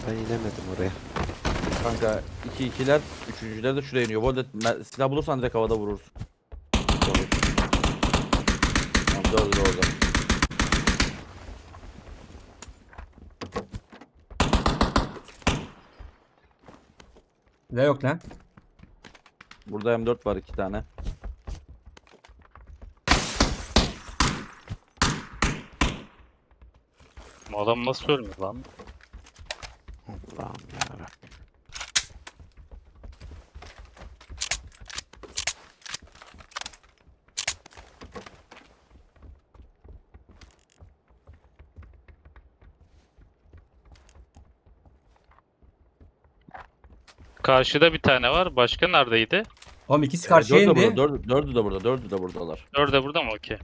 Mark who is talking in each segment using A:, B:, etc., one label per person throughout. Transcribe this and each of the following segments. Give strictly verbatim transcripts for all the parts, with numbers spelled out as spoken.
A: Ben inemedim oraya.
B: Kanka iki ikiler, üçüncüler de şuraya iniyor. Bu arada me- silah bulursan direkt havada vurursun. Olur. Tamam, dördü de orada.
C: Ne yok lan?
B: Burada M dört var iki tane.
D: Bu adam nasıl ölmüyor lan?
A: Allah'ım yarabbim.
D: Karşıda bir tane var. Başka neredeydi?
C: Oğlum ikisi
B: Ee,
C: karşıya
B: dördü de
C: indi.
B: burada, dördü, dördü de burada, dördü de buradalar.
D: Dörde burada mı? Okey.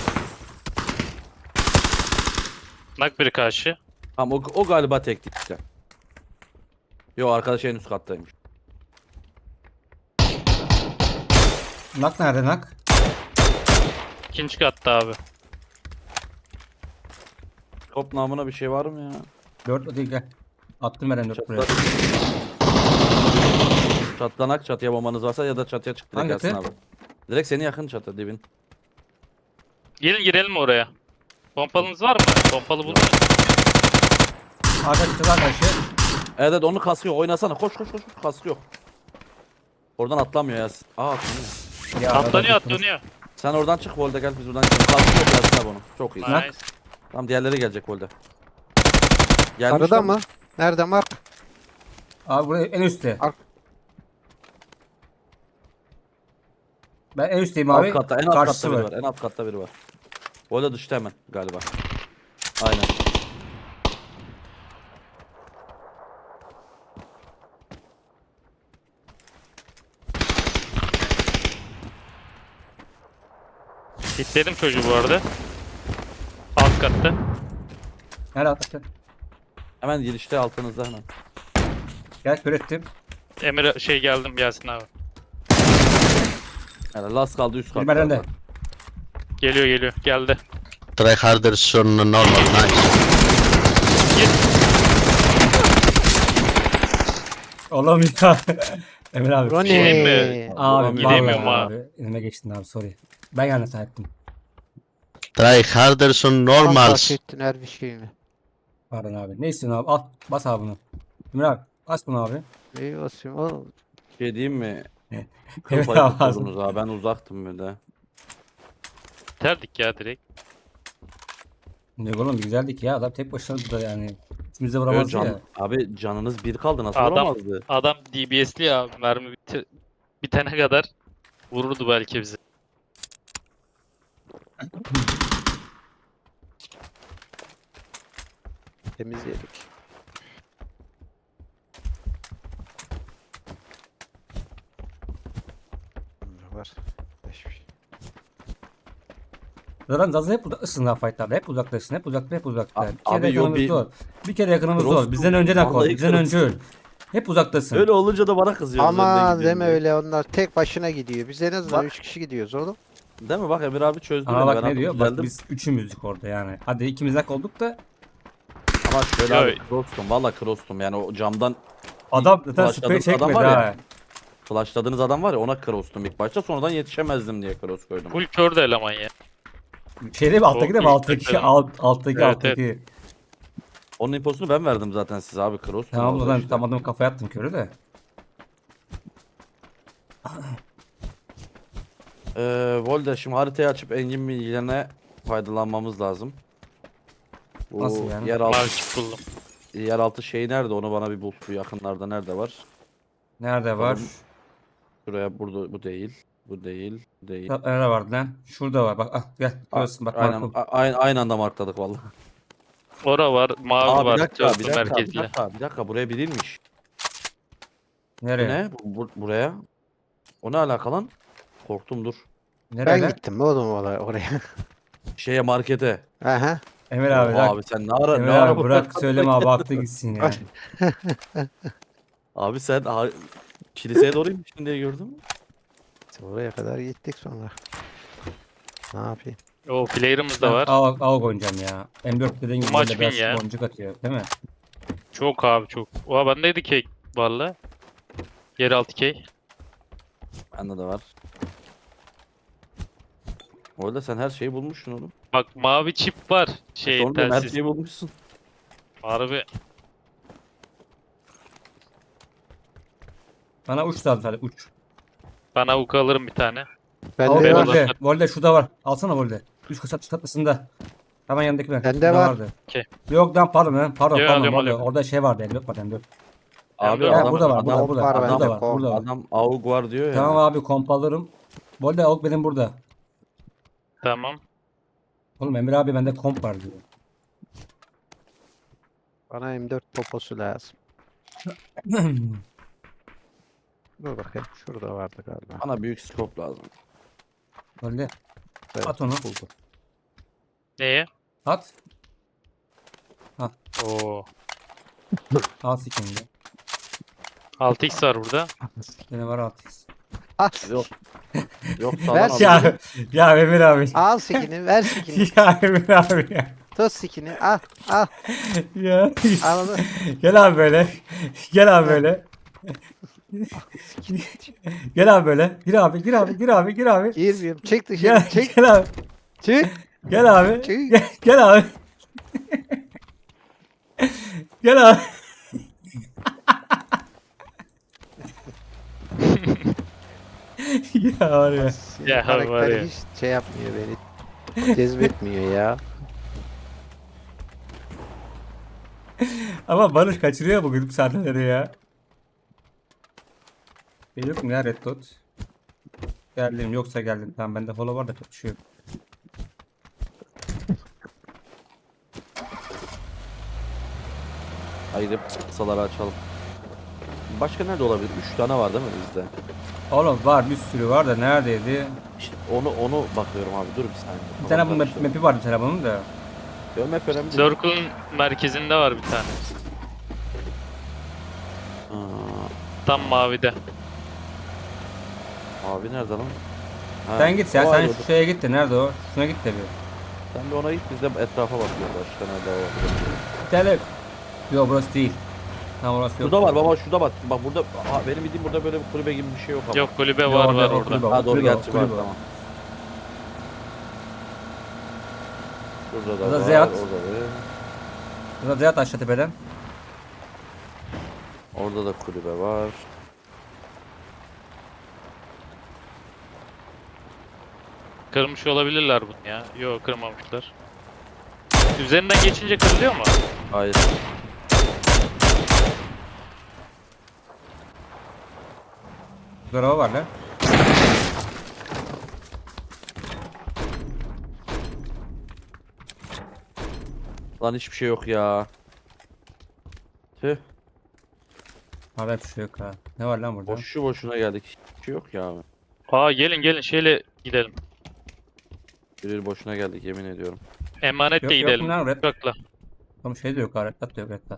D: Nak biri karşı.
B: Tamam o, o galiba tekti işte. Yo arkadaş en üst kattaymış.
C: Nak nerede nak?
D: İkinci katta abi.
B: Top namına bir şey var mı ya?
C: Dört değil gel. Attım ben dört buraya.
B: Çatla... Çatlanak çatıya bombanız varsa ya da çatıya çık direkt
C: Hangisi?
B: gelsin abi. Direkt seni yakın çatı dibin.
D: Gelin girelim oraya. Pompalınız var mı? Pompalı buldum.
C: Arka çıktılar karşı.
B: Evet evet onu kaskıyor oynasana koş koş koş kaskıyor. Oradan atlamıyor ya. Aa atlamıyor.
C: Ya,
D: Atlanıyor
C: arada-
D: atlanıyor.
B: Sen oradan çık Volde gel biz buradan gidelim. Kaskıyor gelsin abi onu. Çok iyi.
C: Nak.
D: Nice.
B: Tamam diğerleri gelecek Volde. Gelmiş
A: Arada
B: lan.
A: mı? Nerede Mark?
C: Abi buraya en üstte.
A: Ar-
C: Ben en üstteyim abi.
B: Alt katta en alt
C: Karşısı
B: katta biri
C: var.
B: var. En alt katta biri var. Volde düştü hemen galiba. Aynen.
D: Hitledim çocuğu bu arada. Alt katta.
C: Nerede atlatın?
B: Hemen girişte altınızda hemen.
C: Gel kör ettim.
D: Emir şey geldim Yasin abi.
B: Yani last kaldı üst katta.
C: Bilmeden de.
D: Geliyor geliyor. Geldi.
E: Try harder son normal, nice.
C: Oğlum ya. Emir abi.
A: Ronnie.
D: Şey mi?
C: Abi
D: Gidemiyorum
C: vallahi
D: abi.
C: abi. Elime geçtin abi sorry. Ben yanlış ettim.
E: Try harder son normal.
A: Bahsettin her bir şey mi?
C: Pardon abi. Ne istiyorsun abi? Al. Bas abi bunu. Emir abi. Aç bunu abi.
A: İyi basayım oğlum.
B: Şey diyeyim mi? Kıl
C: Evet
B: payı
C: abi.
B: tutuyordunuz abi. Ben uzaktım bir de.
D: Terdik ya direkt.
C: Ne oğlum güzeldik ya. Adam tek başına da yani. İkimiz de
B: Ö,
C: vuramazdı
B: can,
C: ya.
B: abi canınız bir kaldı nasıl
D: Adam-
B: vuramazdı?
D: Adam D B S'li ya. Mermi biti- bitene kadar vururdu belki bizi.
A: Temizledik. Ne var? Hiçbir şey.
C: Zaten Zaza hep uzaktasın lan fightlarda. Hep uzaktasın. Hep uzakta hep uzakta.
B: Abi-
C: Bir kere
B: abi yo,
C: yakınımız
B: bir-
C: zor. Bir kere yakınımız zor.
B: Cross'tum.
C: Bizden önceden koy.
B: Vallahi
C: Bizden önce öl.
B: cross'tum.
C: Hep uzaktasın.
B: Öyle olunca da bana kızıyorsunuz. önde
A: Ama
B: gidiyorum
A: deme
B: diye.
A: öyle onlar tek başına gidiyor. Biz en azından
B: Bak.
A: üç kişi gidiyoruz oğlum.
B: Değil mi? Bak Emir abi çözdü
C: Ama
B: beni.
C: bak
B: Ben
C: ne
B: artık
C: diyor? Bak
B: düzeldim.
C: biz üçümüzdük orada yani. Hadi ikimiz nak olduk da
B: Ama şöyle
D: Yo.
B: abi cross'tum. Valla cross'tum. Yani o camdan
C: adam zaten
B: Başladığımız
C: sprey
B: adam
C: çekmedi
B: var ya.
C: ha.
B: flashladığınız adam var ya ona cross'tum ilk başta. Sonradan yetişemezdim diye cross koydum.
D: Full kör de eleman ya.
C: Şeyde mi alttaki de mi
D: Çok
C: alttaki
D: büyük
C: alt, alttaki
D: Evet,
C: alttaki.
B: Onun imposunu ben verdim zaten size abi cross'tum.
C: Tamam
B: orada
C: ulan
B: işte.
C: tam adamı kafaya attım körü de.
B: Ee, Volde şimdi haritayı açıp engin bilgilerine faydalanmamız lazım. Bu
C: Nasıl yani?
B: yeraltı,
D: Markip buldum.
B: yeraltı şeyi nerede onu bana bir bul. Bu yakınlarda nerede var?
C: Nerede var?
B: Bakalım. Şuraya burada bu değil. Bu değil. Bu değil.
C: Ya, nerede vardı lan? Şurada var. Bak ah gel. Görüyorsun bak
B: Aynen,
C: Markum.
B: a- aynı, aynı anda markladık vallahi.
D: Ora var. Mavi
B: Aa,
D: var.
B: bir dakika, bir
D: Çözdüm
B: dakika, bir
D: merkezli.
B: dakika, bir dakika, buraya birilmiş. Bu
C: Nereye?
B: ne? Bu, bu- buraya. O ne alaka lan? Korktum dur.
C: Nereye
A: Ben
C: lan?
A: gittim oğlum oraya. oraya.
B: Şeye markete.
A: Aha.
C: Emir abi.
B: Oha
C: Abi,
B: abi sen ne ara
C: Emir
B: ne ara
C: abi
B: bu
C: bırak
B: markete
C: söyleme abi
B: gittin?
C: aklı gitsin ya.
B: Abi sen ha, kiliseye doğru inmiştin diye gördüm.
A: Oraya kadar gittik sonra. Ne yapayım?
D: O player'ımız
C: Ben
D: da var.
C: Av, av oynayacağım ya. M dört dediğin gibi
D: Maç
C: böyle
D: win
C: biraz
D: ya.
C: boncuk atıyor değil mi?
D: Çok abi çok. Oha bendeydi kek valla. Yeraltı kek.
B: Bende de var. Orada sen her şeyi bulmuşsun oğlum.
D: Bak mavi çip var. Şey
B: Sonra her
D: telsiz.
B: şeyi bulmuşsun.
D: Harbi.
C: Bana uç lazım sadece uç.
D: Ben avuk alırım bir tane.
A: Bende
C: Volde,
A: var.
D: var.
C: Volde. Volde şurada var. Alsana Volde. Üç kat çatısında. Hemen yanındaki ben.
A: Bende
C: Şurada
A: var.
C: vardı.
D: Okey.
C: Yok lan pardon lan. Pardon
D: Yo,
C: pardon.
D: alıyorum,
C: Volde.
D: alıyorum.
C: Orada şey vardı. elli var M dört.
B: Abi
D: Ya,
B: adam,
C: burada var,
B: adam,
C: burada,
B: adam,
C: burada.
A: var,
C: Burada
A: bende
C: var,
A: kol.
C: burada var.
B: adam avuk var diyor ya.
C: Tamam abi komp alırım. Volde avuk benim burada.
D: Tamam.
C: Oğlum Emir abi bende komp var diyor.
A: Bana M dört poposu lazım. Dur bakayım. Şurada vardı galiba.
B: Bana büyük scope lazım.
C: Volde
A: Evet,
C: at onu.
A: buldum.
D: Neye?
C: at.
D: Oo.
C: Al sikimde.
D: altı x var burada.
C: Yine var altı x.
A: Al.
B: Yok. Yok
A: Ver
B: sağdan
A: ya.
B: alayım.
C: Ya, ya Emir abi.
A: Al sikini, ver sikini.
C: ya Emir abi ya.
A: Tut sikini. Al, al.
C: Ya.
A: Al onu.
C: Gel abi böyle. Gel abi böyle. Gel abi böyle. Gir abi, gir abi, gir abi, gir abi.
A: Girmiyorum. Çık dışarı.
C: Gel,
A: Çık.
C: gel abi.
A: Çık.
C: Gel abi.
A: Çık.
C: Gel, gel abi. Gel abi. ya var ya.
D: Ya,
A: Karakter
D: var ya.
A: hiç şey yapmıyor beni. Cezbetmiyor ya.
C: Ama Barış kaçırıyor bugün bu sahneleri ya. Ben yok mu ya Red Dot? Geldim yoksa geldim. Tamam bende follow var da çok bir şey yok.
B: Haydi kısaları açalım. Başka nerede olabilir? Üç tane var değil mi bizde?
C: Oğlum var bir sürü var da neredeydi?
B: İşte onu onu bakıyorum abi. Dur bir saniye.
C: Bir tane bu
B: Tamam,
C: map,
B: işte.
C: map'i vardı telefonun da.
B: Yo, map önemli değil.
D: Circle'ın merkezinde var bir tane.
B: Aa,
D: Tam mavide.
B: abi nerede lan? Ha,
C: Sen git ya
B: o
C: sen
B: ayrı.
C: şu şeye git de nerede o? Şuna git de bir.
B: Sen de ona git biz de etrafa bakıyoruz. Başka nerede var?
C: Tele. Yok burası değil. Tam orası yok.
B: Şurada var baba şurada bak. Bak burada aha, benim bildiğim burada böyle bir kulübe gibi bir şey yok ama.
D: Yok kulübe
C: Yok,
D: var
C: orada,
D: var
C: o
D: orada.
C: kulübe var.
B: Ha doğru
C: Kulübe o,
B: gerçi var
C: kulübe o.
B: tamam. Şurada da
C: Burada
B: var.
C: Zeyat.
B: Orada da.
C: Burada Zeyat aşağı tepeden.
B: Orada da kulübe var.
D: Kırmış olabilirler bunu ya. Yok kırmamışlar. Üzerinden geçince kırılıyor mu?
B: Hayır.
C: Burada araba var lan.
B: Lan hiçbir şey yok ya. Tüh.
C: Hala bir şey yok ha. Ne var lan burada?
B: Boşu boşuna geldik. Hiçbir şey yok ya abi.
D: Aa gelin gelin şeyle gidelim.
B: Bir boşuna geldik yemin ediyorum.
D: Emanetle
C: Yok, yok
D: gidelim.
C: mu lan red?
D: Uçakla.
C: Ama şey de yok ha. Red Dot da yok Red Dot.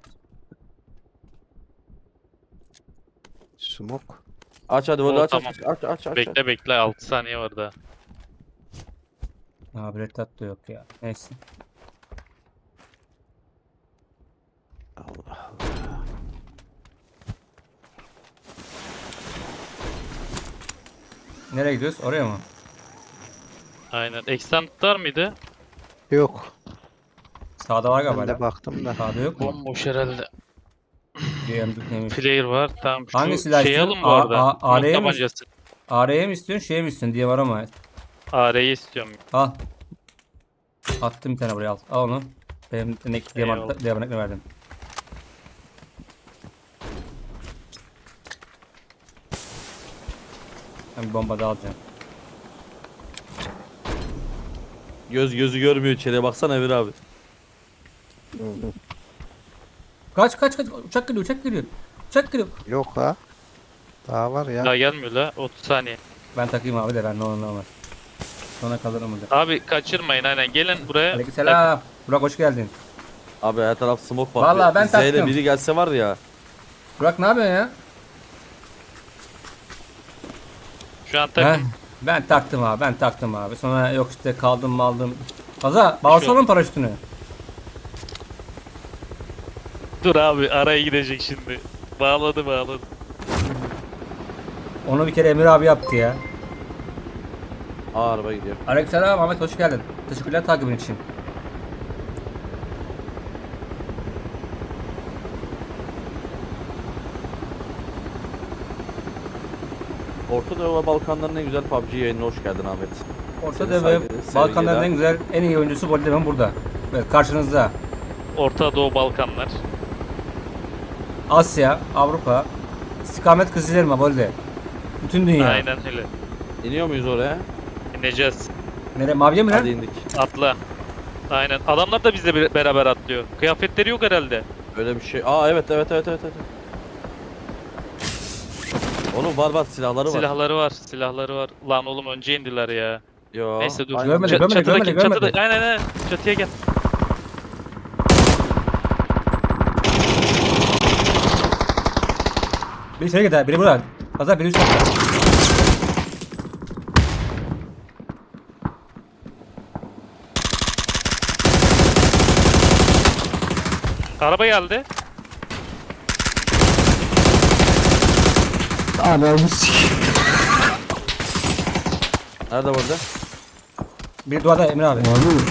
A: Smoke.
B: Aç hadi bunu
D: Oo,
B: aç,
D: tamam.
B: aç aç aç aç.
D: Bekle bekle altı saniye var daha.
C: Abi Red Dot da yok ya. Neyse.
A: Allah.
C: Nereye gidiyoruz? Oraya mı?
D: Aynen. Extend var mıydı?
A: Yok.
C: Sağda var galiba.
A: Ben de
C: lan.
A: baktım da.
C: Sağda yok mu?
D: Bomboş herhalde.
C: G M dört neymiş?
D: Player var. Tamam şu
C: Hangi silah
D: şey
C: istiyorsun?
D: alın bu
C: A-
D: arada.
C: A-
D: Smoke
C: A'ya mı?
D: tabancası.
C: A R'ye mi istiyorsun şeye mi istiyorsun diye var ama.
D: A R'yi istiyorum.
C: Al. Attım bir tane buraya al. Al onu. Benim ne
D: Eyvallah.
C: diamant ne verdim. Ben bir bomba daha alacağım.
B: Göz gözü görmüyor içeriye baksana Emir abi.
C: Kaç kaç kaç uçak geliyor uçak geliyor. Uçak geliyor.
A: Yok ha. Daha var ya.
D: Daha gelmiyor la. otuz saniye.
C: Ben takayım abi de ben ne olur ne olmaz. Sonra kalırım burada.
D: Abi kaçırmayın aynen. Gelin buraya.
C: Aleykümselam. Burak hoş geldin.
B: Abi her taraf smoke var.
C: Vallahi ben
B: Z ile
C: taktım.
B: biri gelse var ya.
C: Burak ne yapıyorsun ya?
D: Şu an
C: He?
D: takım.
C: Ben taktım abi ben taktım abi. Sonra yok işte kaldım maldım. Kaza bağırsana mı paraşütünü?
D: Dur abi araya gidecek şimdi. Bağladı bağladı.
C: Onu bir kere Emir abi yaptı ya.
B: Aa araba gidiyor.
C: Aleykümselam Ahmet, hoş geldin. Teşekkürler takibin için.
B: Orta Doğu ve Balkanların en güzel P U B G yayınına hoş geldin Ahmet.
C: Orta
B: Seni
C: Doğu ve
B: saygı-
C: Balkanların
B: sevgiler.
C: en güzel, en iyi oyuncusu Voldemen burada. Evet, karşınızda.
D: Orta Doğu Balkanlar.
C: Asya, Avrupa, istikamet kızılırma Volde. Bütün dünya.
D: Aynen öyle.
B: İniyor muyuz oraya?
D: İneceğiz.
C: Nereye, maviye mi lan?
B: Hadi indik.
D: Atla. Aynen. Adamlar da bizle bir- beraber atlıyor. Kıyafetleri yok herhalde.
B: Öyle bir şey. Aa evet evet evet evet. evet. Oğlum var var silahları var.
D: Silahları var. Silahları var. Lan oğlum önce indiler ya.
B: Yo.
D: Neyse dur.
B: aynen.
C: Görmedi,
D: Ç-
C: görmedi,
D: çatıdaki-
C: görmedi, görmedi.
D: çatıda- Aynen aynen. Çatıya gel.
C: Biri şöyle gider, biri burada. Azar biri üst katta.
D: Araba geldi.
B: Nerede burada?
C: Biri duvarda Emir abi.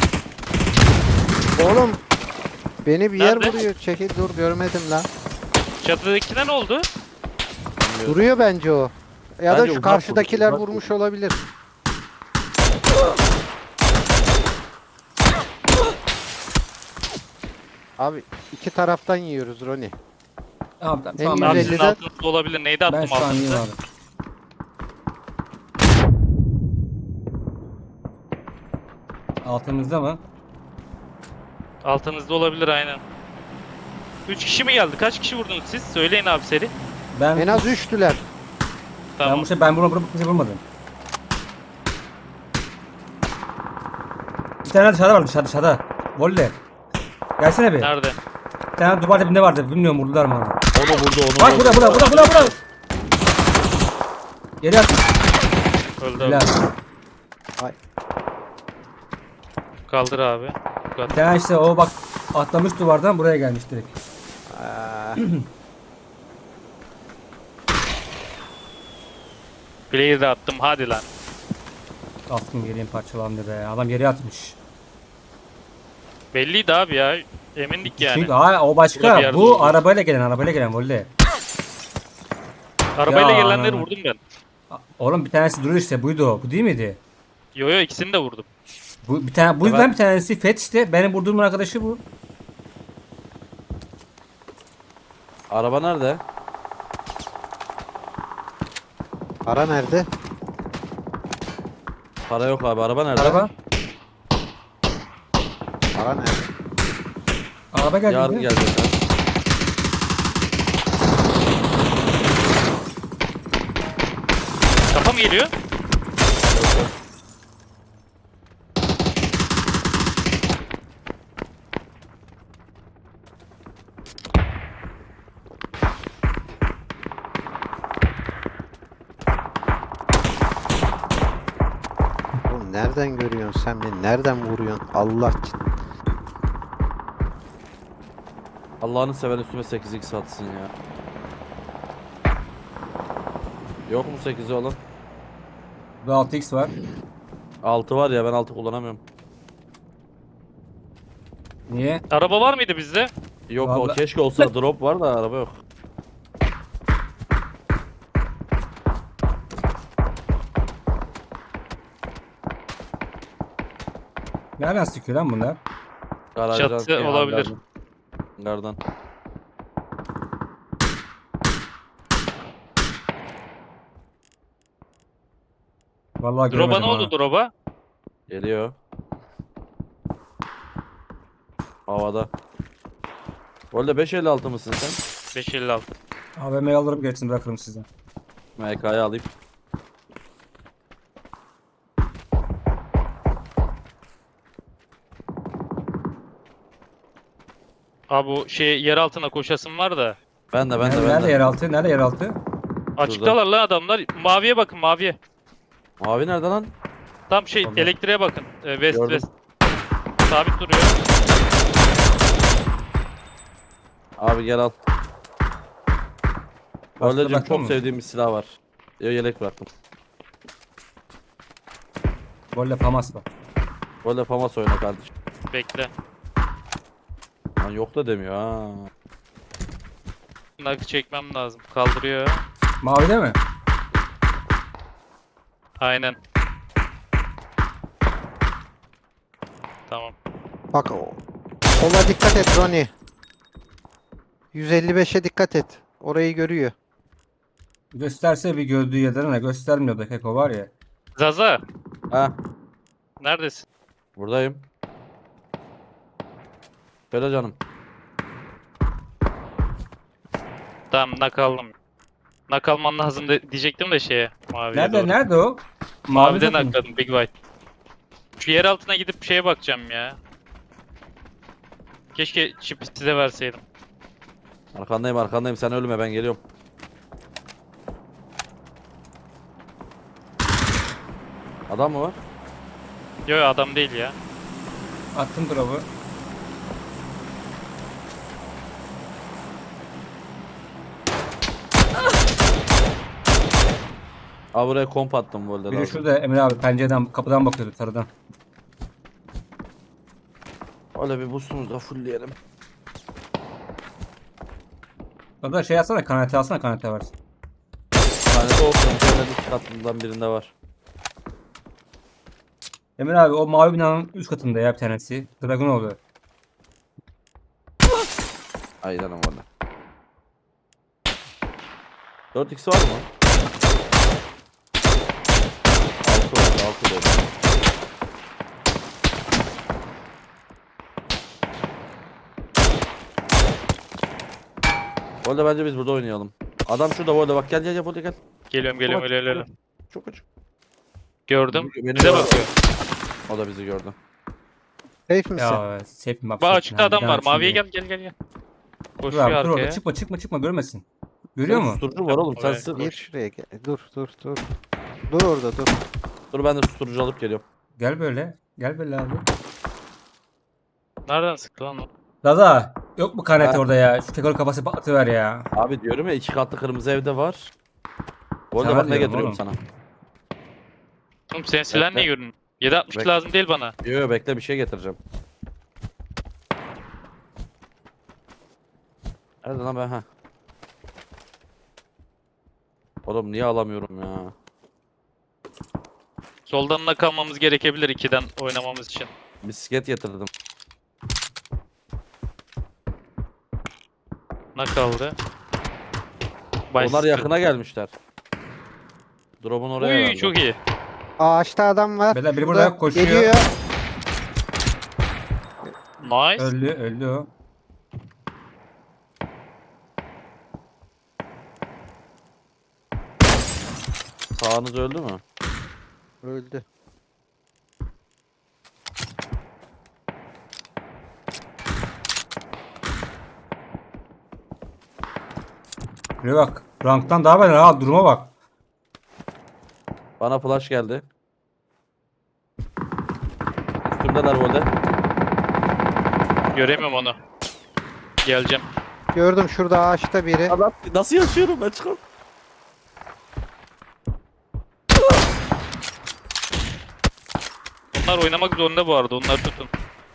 A: Oğlum. Beni bir yer
D: Nerede?
A: vuruyor. Çekil dur görmedim lan.
D: Çatıdakine ne oldu?
A: Duruyor bence o. Ya da
B: Bence
A: şu
B: uzak
A: karşıdakiler
B: vurdu, uzak
A: vurmuş olabilir. Abi iki taraftan yiyoruz Roni.
C: Tamam tamam.
A: En
C: tamam,
A: iyi
C: ben,
D: Abi
A: belli
D: sizin
A: de-
D: altınızda olabilir. Neydi
C: ben
D: attım
C: şu an iyiyim
D: altınızda?
C: abi. Altımızda mı?
D: Altınızda olabilir aynen. üç kişi mi geldi? Kaç kişi vurdunuz siz? Söyleyin abi seri.
C: Ben
A: En az üçtüler.
C: ben
D: Tamam.
C: bu şey ben bunu bunu kimse vurmadım. Bir tane dışarıda var, dışarıda dışarıda. Volley. Gelsene bir.
D: Nerede?
C: Bir tane duvar dibinde vardı. Bilmiyorum, vurdular mı onu.
B: Onu vurdu onu
C: Bak
B: vurdu.
C: burada burada burada burada burada. Geri at.
D: Öldü
C: Helal.
D: abi.
A: Ay.
D: Kaldır abi.
C: Bir tane işte o bak atlamış duvardan buraya gelmiş direkt.
A: Aa,
D: Player'ı de attım hadi lan.
C: Attım geriye parçalandı be. Adam yere atmış.
D: Belliydi abi ya. Emindik yani.
C: Çünkü ha, o
D: Burada bir
C: başka.
D: yerde
C: Bu
D: oldu.
C: arabayla gelen arabayla gelen volley.
D: Arabayla
C: Ya
D: gelenleri
C: anam.
D: vurdum ben.
C: Oğlum bir tanesi duruyor işte, buydu o. Bu değil miydi?
D: Yo yo ikisini de vurdum.
C: Bu bir tane bu
B: Evet.
C: yüzden bir tanesi Fet işte. Benim vurduğum arkadaşı bu.
B: Araba nerede?
A: para nerede?
B: Para yok abi. Araba nerede?
C: Araba.
A: Para nerede?
C: Araba geldi.
B: Yarın
C: Yarın
B: gelecek.
D: Kafa mı geliyor?
A: Oğlum nereden görüyorsun sen beni? Nereden vuruyorsun? Allah için.
B: Allah'ını seven üstüme sekiz x atsın ya. Yok mu sekizi olan?
C: Burada altı x var.
B: altı var ya, ben altı kullanamıyorum.
C: Niye?
D: Araba var mıydı bizde?
B: Yok o
C: Vallahi-
B: keşke olsa, drop var da araba yok.
C: Nereden sıkıyor lan bunlar?
B: Garajdan.
D: Çatı
B: Ya,
D: olabilir.
B: gardan. Gardan.
C: Vallahi
D: Drop'a
C: göremedim
D: ne oldu
C: ha.
D: drop'a?
B: Geliyor. Havada. Golde beş elli altı mısın sen?
D: beş elli altı.
C: A V M'yi alırım gerisini bırakırım size.
B: M K'yı alayım.
D: Abi bu şey yer altına koşasım var da.
B: Ben de ben de
C: nerede,
B: ben
C: nerede
B: de.
C: yeraltı? Nerede yeraltı?
D: Açıktalar lan adamlar. Maviye bakın maviye.
B: Mavi nerede lan?
D: Tam şey
B: Tamam.
D: elektriğe bakın. Ee, west
B: Gördüm.
D: west. Sabit duruyor.
B: Abi gel al. Voldeciğim
C: bıraktın
B: çok
C: mı?
B: sevdiğim bir silah var. Yo, yelek bıraktım.
C: Golle Famas var.
B: Volde Famas oyna kardeşim.
D: Bekle.
B: Lan yok da demiyor ha.
D: Nakı çekmem lazım. Kaldırıyor.
C: Mavide mi?
D: Aynen. Tamam.
A: Bak o. Sola dikkat et Ronnie. yüz elli beşe dikkat et. Orayı görüyor.
C: Gösterse bir gördüğü yerden ne göstermiyor da Keko var ya.
D: Zaza.
B: Ha
D: Neredesin?
B: buradayım. Söyle canım.
D: Tamam nak aldım. Nak alman lazım de, diyecektim de şeye. Maviye
C: Nerede
D: doğru.
C: nerede o?
D: Mavide
C: takım.
D: nakladım Big White. Şu yer altına gidip şeye bakacağım ya. Keşke çipi size verseydim.
B: Arkandayım arkandayım sen ölme ben geliyorum. Adam mı var?
D: Yo yo, adam değil ya.
C: Attım drop'u.
B: Abi buraya komp attım Volde
C: Biri
B: lazım.
C: şurada Emre abi pencereden kapıdan bakıyordu sarıdan.
B: Öyle bir boostumuzu da fullleyelim.
C: Orada şey alsana kanete alsana kanete varsın.
B: Yani de olsun üzerinde bir katından birinde var.
C: Emre abi o mavi binanın üst katında ya bir tanesi. Dragon oluyor.
B: Aynen öyle. dört x var mı? altı var altı da olur. Volde bence biz burada oynayalım. Adam şurada Volde bak gel gel gel Volde gel.
D: Geliyorum geliyorum
B: Çok
D: öyle öyle
B: açık,
D: öyle.
B: Çok açık.
D: Gördüm.
B: Beni
D: Bize
B: gördü.
D: bakıyor.
B: O da bizi gördü.
A: Safe misin?
C: Ya safe mi bak.
D: Bak
C: safe
D: açıkta
C: mi?
D: adam
C: Bir
D: var.
C: tane
D: Maviye
C: şimdi.
D: gel gel gel gel.
C: Dur
D: Koşuyor
C: abi dur orada
D: arkaya.
C: çıkma çıkma çıkma görmesin. Görüyor
B: Senin
C: mu?
B: Susturucu var oğlum sen
D: Oraya.
B: sır.
A: Gir şuraya gel. Dur dur dur. Dur orada dur.
B: Dur ben de susturucu alıp geliyorum.
C: Gel böyle. Gel böyle abi.
D: Nereden sıktı lan o?
C: Zaza yok mu kanete
B: Ha.
C: orada ya? Şu Keko'nun kafası patlatıver ya.
B: Abi diyorum ya iki katlı kırmızı evde var. Volde
C: Sana
B: bak ne
C: diyorum
B: getiriyorum
C: oğlum.
B: sana.
D: Oğlum senin silahın
B: Bekle.
D: niye görünüyor? yedi altmış
B: Bekle.
D: lazım değil bana.
B: Yo yo bekle bir şey getireceğim. Nerede lan ben ha? Oğlum niye alamıyorum ya?
D: Soldan da kalmamız gerekebilir ikiden oynamamız için.
B: Bisiklet getirdim.
D: Ne kaldı?
B: Onlar yakına gelmişler. Drop'un oraya
D: Uy
B: herhalde.
D: çok iyi.
A: Ağaçta adam var.
C: Beyler biri
A: Şurada
C: burada koşuyor.
A: Geliyor.
D: Nice.
C: Öldü öldü o.
B: Sağınız öldü mü?
A: Öldü.
C: Şuraya bak. Ranktan daha beter ha duruma bak.
B: Bana flash geldi. Üstümdeler Volde.
D: Göremiyorum onu. Geleceğim.
A: Gördüm şurada ağaçta biri.
B: Adam nasıl yaşıyorum ben çıkam.
D: Onlar oynamak zorunda bu arada. Onları tutun.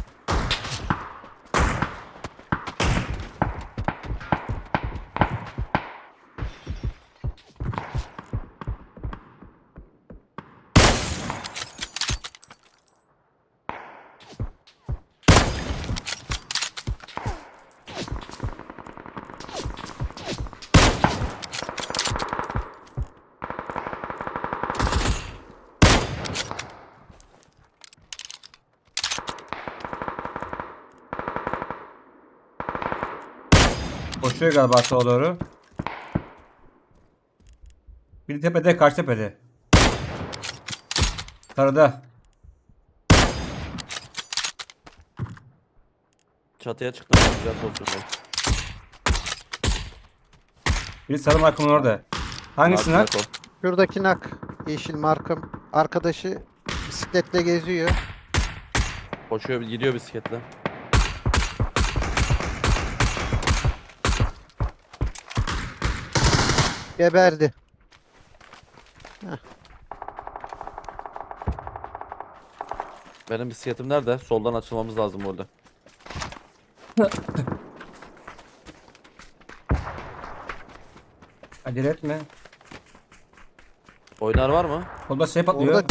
C: Koşuyor galiba sağa doğru. Biri tepede karşı tepede. Sarıda.
B: Çatıya çıktım. Güzel pozisyonda.
C: Biri sarı markımın orada. Hangisi lan?
B: Abi, bırak o.
A: Şuradaki nak. Yeşil markım. Arkadaşı bisikletle geziyor.
B: Koşuyor gidiyor bisikletle.
A: Geberdi.
B: Benim bisikletim nerede? Soldan açılmamız lazım orada.
C: Acele etme.
B: Oynar var mı?
C: Solda şey patlıyor.
A: Orada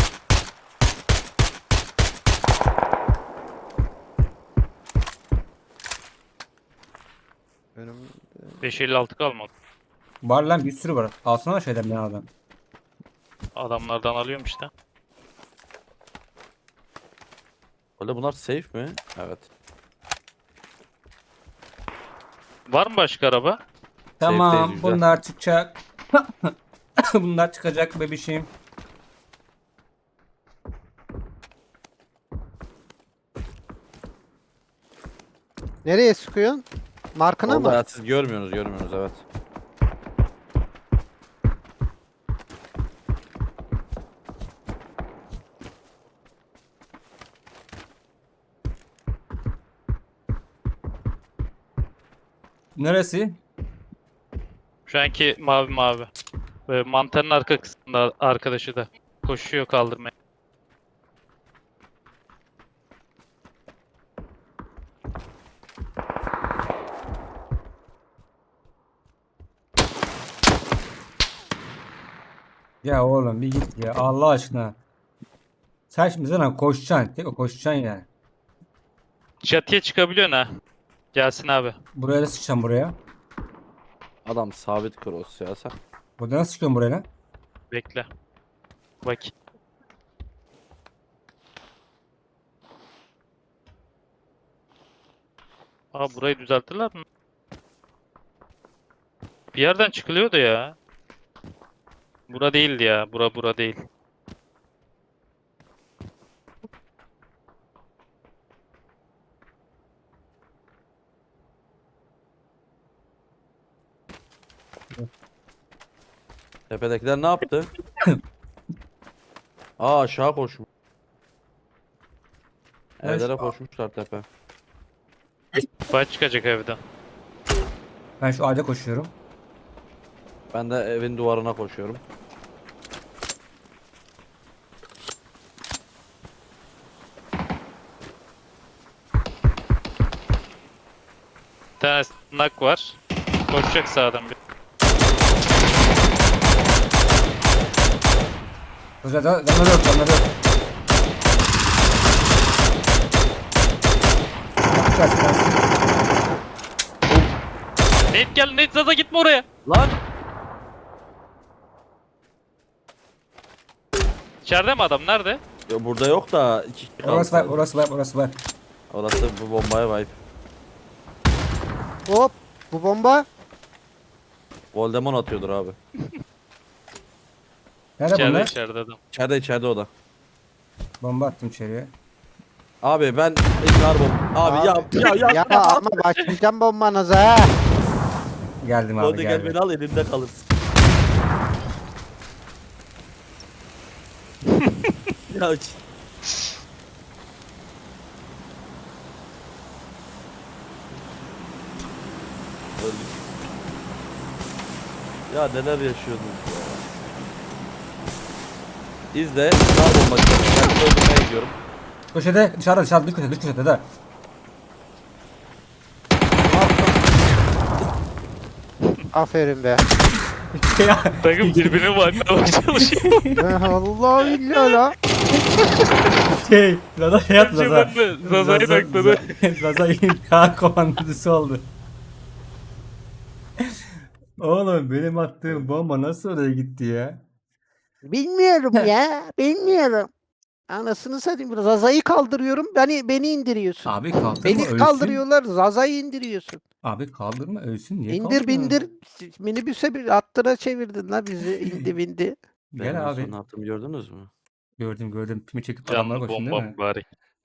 A: önüm
D: beş elli altı kalmadı.
C: Var lan bir sürü var. Alsana şeyden ben adam.
D: Adamlardan alıyorum işte.
B: Öyle bunlar safe mi? Evet.
D: Var mı başka araba?
C: Tamam
B: güzel.
C: bunlar çıkacak. Bunlar çıkacak bebişim.
A: nereye sıkıyorsun? Markına
B: Orada
A: mı?
B: ya, siz görmüyorsunuz görmüyorsunuz evet.
C: Neresi?
D: Şu anki mavi mavi. Ve mantarın arka kısmında arkadaşı da koşuyor kaldırmaya.
C: Ya oğlum bir git ya Allah aşkına. Sen şimdi zaten koşacaksın. Tek o koşacaksın yani.
D: Çatıya çıkabiliyorsun ha. Gelsin abi.
C: Buraya da sıçacağım buraya.
B: Adam sabit cross ya sen.
C: Burada nasıl çıkıyorum buraya lan?
D: Bekle. Bak. Aa burayı düzelttiler mi? Bir yerden çıkılıyordu ya. Bura değildi ya. Bura bura değil.
B: Tepedekiler ne yaptı? Aa aşağı koşmuş. Evlere koşmuşlar tepe.
D: Fight çıkacak evden.
C: Ben şu ağaca koşuyorum.
B: Ben de evin duvarına koşuyorum.
D: Bir tane nak var. Koşacak sağdan bir.
C: Burada da canları yok canları yok. Kaç kaç.
D: Nate gel Nate Zaza gitme oraya.
B: Lan!
D: İçeride mi adam? Nerede?
B: Ya burada yok da iki kişi kaldı.
C: Orası var
B: sadece.
C: orası var orası var.
B: Orası bu bombaya vibe.
A: Hop. Bu bomba.
B: Voldemort atıyordur abi.
C: Nerede
D: İçeride
C: bunlar?
D: içeride adam.
B: İçeride içeride o da.
C: Bomba attım içeriye.
B: Abi ben ikrar bomb. Abi,
A: Abi,
B: ya ya ya.
A: Ya ama başlayacağım bombanıza ha.
C: Geldim abi
B: Golde gel
C: geldim.
B: beni al elimde kalırsın. ya hiç- Öldük. Ya neler yaşıyordunuz ya. İzle. Ikrar bomba. Ben öldürmeye gidiyorum.
C: Köşede dışarıda dışarıda dış köşede dış köşede de.
A: Aferin be.
C: Ya,
D: Takım birbirini bakmaya çalışıyor.
A: Allah billahi la.
C: şey Zaza şey yaptı Zaza.
D: Zaza'yı takladı.
C: Zaza intihar komandosu oldu. Oğlum benim attığım bomba nasıl oraya gitti ya?
A: Bilmiyorum ya. Bilmiyorum. Anasını satayım. Zaza'yı kaldırıyorum. Beni beni indiriyorsun.
C: Abi kaldırma
A: Beni
C: ölsün.
A: kaldırıyorlar. Zaza'yı indiriyorsun.
C: Abi kaldırma ölsün niye
A: İndir
C: kaldırıyorsun?
A: bindir. Minibüse bir attıra çevirdin la bizi. İndi bindi.
B: Benim en
C: Gel
B: son
C: abi.
B: ne yaptığımı gördünüz mü?
C: Gördüm gördüm. Pimi çekip adamlara
D: Canlı
C: koşun değil
D: bomba
C: mi?
D: mübarek.